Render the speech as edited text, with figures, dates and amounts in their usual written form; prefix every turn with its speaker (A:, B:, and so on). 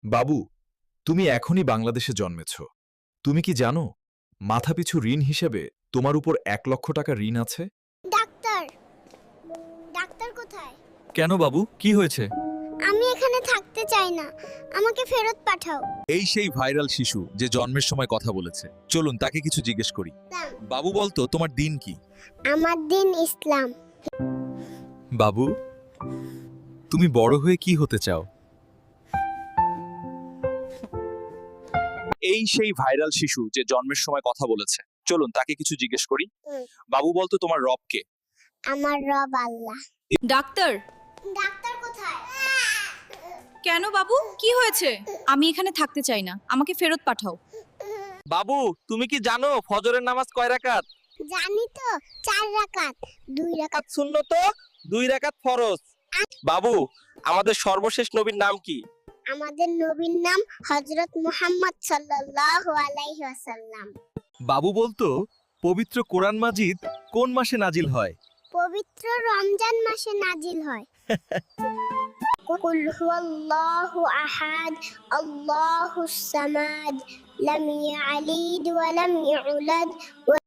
A: বাবু, তুমি এখনই বাংলাদেশে জন্মেছ। তুমি কি জানো মাথাপিছু ঋণ হিসেবে তোমার উপর 1 লক্ষ টাকা ঋণ আছে?
B: ডাক্তার ডাক্তার কোথায়?
C: কেন বাবু, কি হয়েছে?
B: আমি এখানে থাকতে চাই না, আমাকে ফেরত পাঠাও।
C: এই সেই ভাইরাল শিশু যে জন্মের সময় কথা বলেছে। চলুন তাকে কিছু জিজ্ঞেস করি। বাবু বলতো তোমার দিন কি?
B: আমার দিন ইসলাম।
C: বাবু, তুমি বড় হয়ে কি হতে চাও? এই সেই ভাইরাল শিশু যে জন্মের সময় কথা বলেছে। চলুন তাকে কিছু জিজ্ঞেস করি। বাবু বলতো তোমার রব কে?
B: আমার রব আল্লাহ।
D: ডাক্তার,
B: ডাক্তার কোথায়?
D: কেন বাবু, কি হয়েছে? আমি এখানে থাকতে চাই না, আমাকে ফেরত পাঠাও।
E: বাবু, তুমি কি জানো ফজরের নামাজ কয় রাকাত?
B: জানি তো, 4 রাকাত, 2 রাকাত।
E: সুন্নত, 2 রাকাত ফরজ। বাবু, আমাদের সর্বশেষ নবীর নাম কি?
B: আমাদের নবীর নাম হযরত মুহাম্মদ সাল্লাল্লাহু আলাইহি ওয়াসাল্লাম।
C: বাবু বলতো পবিত্র কোরআন মাজিদ কোন মাসে নাজিল হয়?
B: পবিত্র রমজান মাসে নাজিল হয়। কুল হুয়াল্লাহু আহাদ, আল্লাহুস সামাদ, লাম ইয়ালিদ ওয়া লাম ইউলাদ।